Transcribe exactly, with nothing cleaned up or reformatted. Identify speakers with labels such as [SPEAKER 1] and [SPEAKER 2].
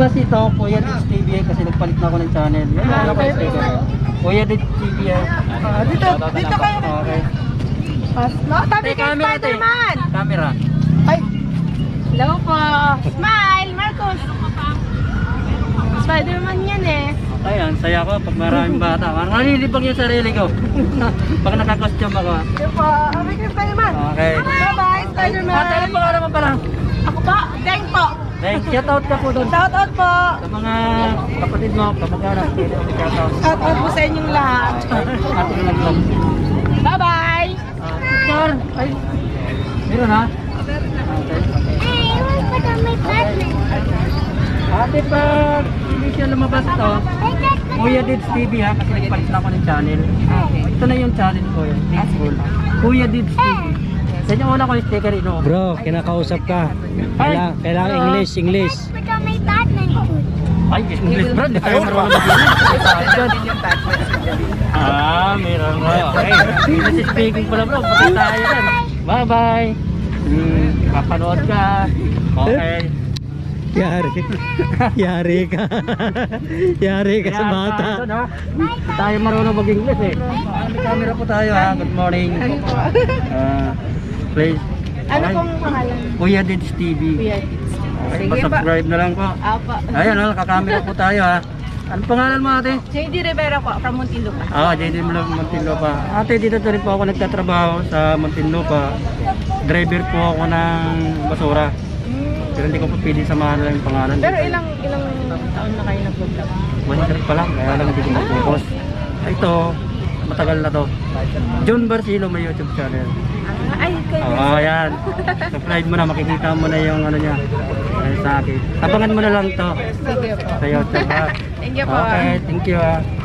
[SPEAKER 1] Plus ito, Kuya Dits T V kasi nagpalit na ako ng channel. Yan lang ako sticker. Kuya Dits T V.
[SPEAKER 2] Ah, dito, dito kayo.
[SPEAKER 1] Okay.
[SPEAKER 2] Pas, no? Tabi
[SPEAKER 1] Tay,
[SPEAKER 2] kay
[SPEAKER 1] camera, tay.
[SPEAKER 2] Spider-Man.
[SPEAKER 1] Camera.
[SPEAKER 2] Ay. Hello po. Smile, Marcos. Spider-Man yan eh.
[SPEAKER 1] Ayan, saya ko pag maraming bata. Parang nalilibang yung sarili ko. Pag naka-costume ako.
[SPEAKER 2] Ito po. Tabi kay Spider-Man.
[SPEAKER 1] Okay.
[SPEAKER 2] Bye-bye, Spider-Man.
[SPEAKER 1] Ate, ano pangalan mo pala?
[SPEAKER 2] Ako pa, Deng po.
[SPEAKER 1] Thanks, shout out ka po doon.
[SPEAKER 2] Shout out po.
[SPEAKER 1] Sa mga kapatid mo, kamag-anak, pwede mo shout out.
[SPEAKER 2] Shout out po sa inyong lahat.
[SPEAKER 1] Ate ko nag-vlog.
[SPEAKER 2] Bye-bye.
[SPEAKER 1] Ah, picture. Ay, meron ha? Okay, okay.
[SPEAKER 3] Hey, where's the my partner?
[SPEAKER 1] Ate, pag hindi siya lumabas ito, Kuya Dits T V ha, kasi nagpalit na ako ng channel. Ito na yung channel ko yun, School. Kuya Dits T V. Sa inyo una ko yung sticker ino.
[SPEAKER 4] Bro, kinakausap ka. Kailangan, kailangan English, English.
[SPEAKER 3] Become my partner.
[SPEAKER 1] Ay, English bro, hindi tayo marunong mag-English. Ah, meron nga. Okay, English speaking pala bro, pati tayo yan. Bye-bye. Hmm, kapanood ka. Okay.
[SPEAKER 4] Yari. Yari ka. Yari ka sa bata.
[SPEAKER 1] Tayo, no? Hindi tayo marunong mag-English eh. May camera po tayo ha. Good morning. Ah, please.
[SPEAKER 2] Ano
[SPEAKER 1] Okay.
[SPEAKER 2] pong pangalan?
[SPEAKER 1] Kuya Dits T V.
[SPEAKER 2] Kuya.
[SPEAKER 1] Okay,
[SPEAKER 2] Sige ba?
[SPEAKER 1] pa-subscribe na lang po.
[SPEAKER 2] Apa.
[SPEAKER 1] Ayan o, kakamera po tayo ha. Ano pangalan mo ate?
[SPEAKER 2] J D Rivera po, from Muntinlupa.
[SPEAKER 1] Ah, J D Muntinlupa. Ate, dito na rin po ako nagtatrabaho sa Muntinlupa. Driver po ako ng basura. Pero hindi ko pa pwede samahan lang yung pangalan.
[SPEAKER 2] Pero ilang ilang taon na kayo nag-vlog?
[SPEAKER 1] One year pa lang, kaya lang hindi ko mag-focus. Ito, matagal na to. John Barcelo may YouTube channel.
[SPEAKER 2] Ah, ay, kayo.
[SPEAKER 1] Oo, oh, yan. Subscribe mo na, makikita mo na yung ano niya. Ay, sa akin. Abangan mo na lang to
[SPEAKER 2] Sige po.
[SPEAKER 1] sa YouTube ha.
[SPEAKER 2] Thank you po.
[SPEAKER 1] Okay, thank you ha.